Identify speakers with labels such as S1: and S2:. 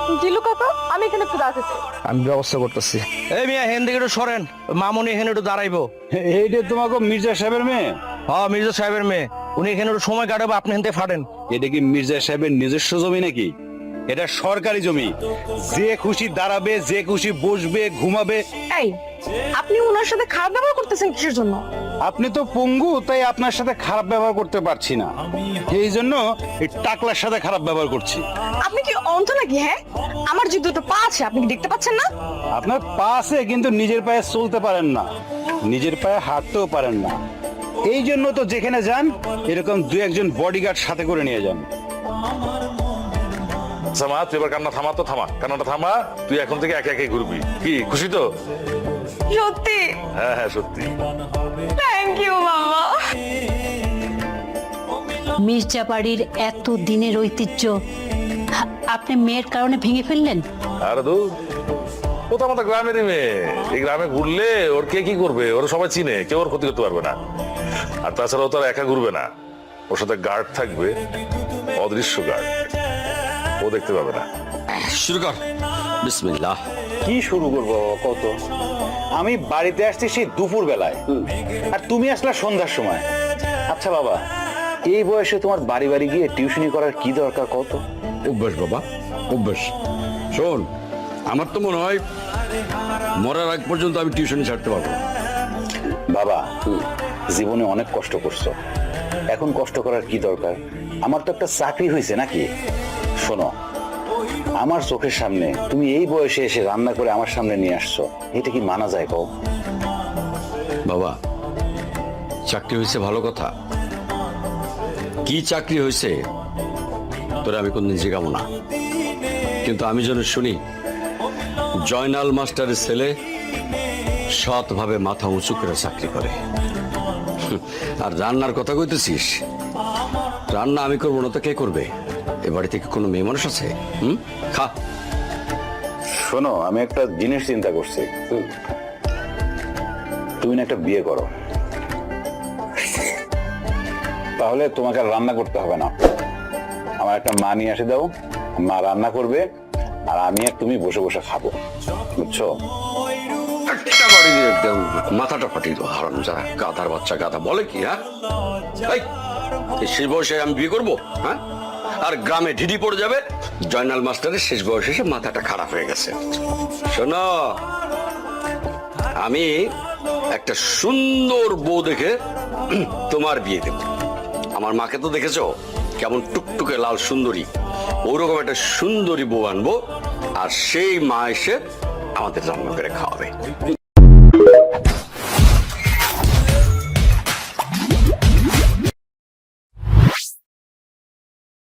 S1: জিলু কাকা, আমি এখানে একটু দাঁড়াতে চাই।
S2: আমি ব্যবস্থা করতেছি।
S3: এই মিয়া হেন দিকে একটু সরেন, মামুনি এখানে একটু দাঁড়াইবো।
S4: এইটা তোমাকে মির্জা সাহেবের মেয়ে?
S3: হ্যাঁ, মির্জা সাহেবের মেয়ে। উনি এখানে একটু সময় কাটাবো, আপনি হেনতে ফাটেন।
S4: এটা কি মির্জা সাহেবের নিজস্ব জমি নাকি? এটা সরকারি জমি। যে খুশি দাঁড়াবে, যে খুশি বসবে, ঘুমাবে।
S1: এই, আপনি ওনার সাথে খারাপ ব্যবহার করতেছেন কিসের জন্য?
S4: আপনি তো পঙ্গু, তাই আপনার সাথে খারাপ ব্যবহার করতে পারছি না, এই জন্য এই টাকলার সাথে খারাপ ব্যবহার করছি।
S1: আপনি কি অন্ধ নাকি? হ্যাঁ, আমার যে দুটো পা আছে আপনি কি দেখতে পাচ্ছেন না?
S4: আপনার পা আছে, কিন্তু নিজের পায়ে চলতে পারেন না, নিজের পায়ে হাঁটতেও পারেন না। এই জন্য তো যেখানে যান এরকম দু একজন বডিগার্ড সাথে করে নিয়ে যান।
S5: আচ্ছা মা, তুই এবার কান্না থামা, তো থামা, কান্নাটা থামা। তুই এখন থেকে একে একে ঘুরবি। কি খুশি তো?
S1: সত্যি?
S5: হ্যাঁ হ্যাঁ, সত্যি।
S1: থ্যাংক ইউ মামা।
S6: মির্জা বাড়ির এত দিনের ঐতিহ্য আপনি মেয়ের কারণে ভেঙে ফেললেন?
S5: আরে দূর, ও তো আমাদের গ্রামেরই মেয়ে। এই গ্রামে ঘুরলে ওর কে কি করবে? ওরা সবাই চিনে, কেউ ওর ক্ষতি করতে পারবে না। আর তাছাড়া ও তো আর একা ঘুরবে না, ওর সাথে গার্ড থাকবে, অদৃশ্য গার্ড। ও দেখতে পাবে না।
S7: শুরু কর। বিসমিল্লাহ।
S4: কি শুরু করবো কত? আমি বাড়িতে আসছি সেই দুপুর বেলায়, আর তুমি আসলা সন্ধ্যার সময়। আচ্ছা বাবা, এই বয়সে তোমার বাড়ি বাড়ি গিয়ে টিউশনি করার কি দরকার কত?
S7: অভ্যাস বাবা, অভ্যাস। শোন, আমার তো মনে হয় মরার আগ পর্যন্ত আমি টিউশনি ছাড়তে পারবো না।
S4: বাবা, জীবনে অনেক কষ্ট করছো, এখন কষ্ট করার কি দরকার? আমার তো একটা চাকরি হয়েছে নাকি? শোনো, আমার চোখের সামনে তুমি এই বয়সে এসে রান্না করে আমার সামনে নিয়ে আসছো, এটা কি মানা যায় কও?
S7: বাবা, চাকরি হয়েছে ভালো কথা, কি চাকরি হয়েছে তোরা আমি কোনদিন জিজ্ঞাবো না, কিন্তু আমি যেন শুনি জয়নাল মাস্টারের ছেলে সৎভাবে মাথা উঁচু করে চাকরি করে। আর রান্নার কথা কইতেছিস, রান্না আমি করবো না তো কে করবে? এ বাড়ি থেকে কোনো মেয়ে মানুষ আছে? খা।
S4: শোনো, আমি একটা জিনিস চিন্তা করছি, তুমি না একটা বিয়ে করো, তাহলে তোমাকে আর রান্না করতে হবে না। আমার একটা মা নিয়ে এসে দাও, মা রান্না করবে, আর আমি আর তুমি বসে বসে খাবো, বুঝছো?
S7: একটা বাড়ি দিয়ে একদম মাথাটা ফাটিয়ে দেবো। হারাম যারা, গাধার বাচ্চা গাধা বলে কি? হ্যাঁ, এই শেষ বয়সে আমি বিয়ে করবো? হ্যাঁ, আর গ্রামে ঢিডি পড়ে যাবে জয়নাল মাস্টারের শেষ বয়সে এসে মাথাটা খারাপ হয়ে গেছে। শোনো, আমি একটা সুন্দর বউ দেখে তোমার বিয়ে দেব। আমার মাকে তো দেখেছো কেমন টুকটুকে লাল সুন্দরী, ওরকম একটা সুন্দরী বউ আনবো, আর সেই মা এসে আমাদের রান্না করে খাওয়াবে।